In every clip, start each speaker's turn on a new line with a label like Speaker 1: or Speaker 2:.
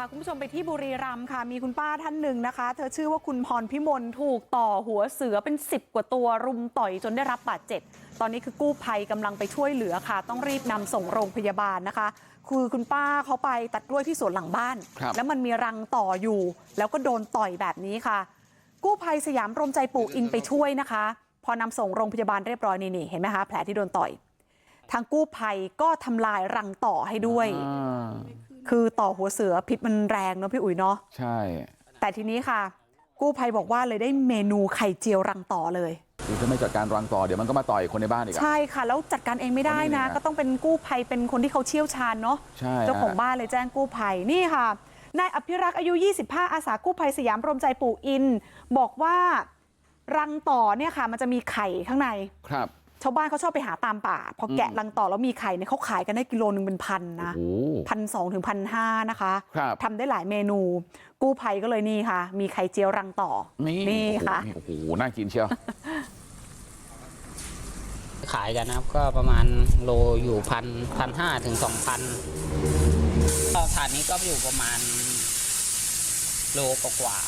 Speaker 1: คุณผู้ชมไปที่บุรีรัมย์ค่ะมีคุณป้าท่านหนึ่งนะคะเธอชื่อว่าคุณพรพิมลถูกต่อหัวเสือเป็น10กว่าตัวรุมต่อยจนได้รับบาดเจ็บตอนนี้คือกู้ภัยกำลังไปช่วยเหลือค่ะต้องรีบนำส่งโรงพยาบาลนะคะคือคุณป้าเขาไปตัดกล้วยที่สวนหลังบ้านแล้วมันมีรังต่ออยู่แล้วก็โดนต่อยแบบนี้ค่ะกู้ภัยสยามรวมใจปู่อินไปช่วยนะคะพอนำส่งโรงพยาบาลเรียบร้อยนี่เห็นไหมคะแผลที่โดนต่อยทางกู้ภัยก็ทำลายรังต่อให้ด้วยคือต่อหัวเสือพิษมันแรงเนาะพี่อุ๋ยเนาะใช่แต่ทีนี้ค่ะกู้ภัยบอกว่าเลยได้เมนูไข่เจียวรังต่อเลย
Speaker 2: คือถ้าไม่จัดการรังต่อเดี๋ยวมันก็มาต่อยคนในบ้านอีก
Speaker 1: ใช่ค่ะแล้วจัดการเองไม่ได้นะก็ต้องเป็นกู้ภัยเป็นคนที่เขาเชี่ยวชาญเนาะเจ้าของบ้านเลยแจ้งกู้ภัยนี่ค่ะนายอภิรักษ์อายุ25อาสากู้ภัยสยามรวมใจปู่อินบอกว่ารังต่อเนี่ยค่ะมันจะมีไข่ข้างในครับชาวบ้านเขาชอบไปหาตามป่าพอแกะรังต่อแล้วมีไข่เนี่ยเขาขายกันได้กิโลนึงเป็นพันนะ1,200 ถึง 1,500นะคะทำได้หลายเมนูกู้ภัยก็เลยนี่ค่ะมีไข่เจียวรังต่อนี่ค่ะ
Speaker 2: โอ้โหน่ากินเชียว
Speaker 3: ขายกันนะครับก็ประมาณโลอยู่1,500 ถึง 2,000ก็ถาดนี้ก็อยู่ประมาณโลกว่า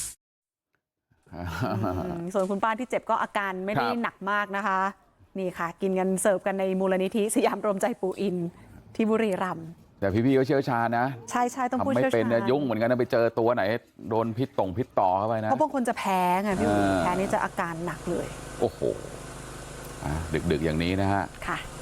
Speaker 1: ส่วนคุณป้าที่เจ็บก็อาการไม่ได้หนักมากนะคะนี่ค่ะกินกันเสิร์ฟกันในมูลนิธิสยามรวมใจปู่อินที่บุรีรัมย์
Speaker 2: แต่พี่ๆก็เชี่ยวชาญนะ
Speaker 1: ใช่ต้องพูดเชี่ยวชาญ
Speaker 2: ไม่เป็นยุ่งเหมือนกันนะไปเจอตัวไหนโดนพิษต่อเข้าไปนะ
Speaker 1: เพราะบางคนจะแพ้ไงพี่อุ๋ยแพ้นี่จะอาการหนักเลย
Speaker 2: โอ้โหดึกๆอย่างนี้นะฮะ
Speaker 1: ค่ะ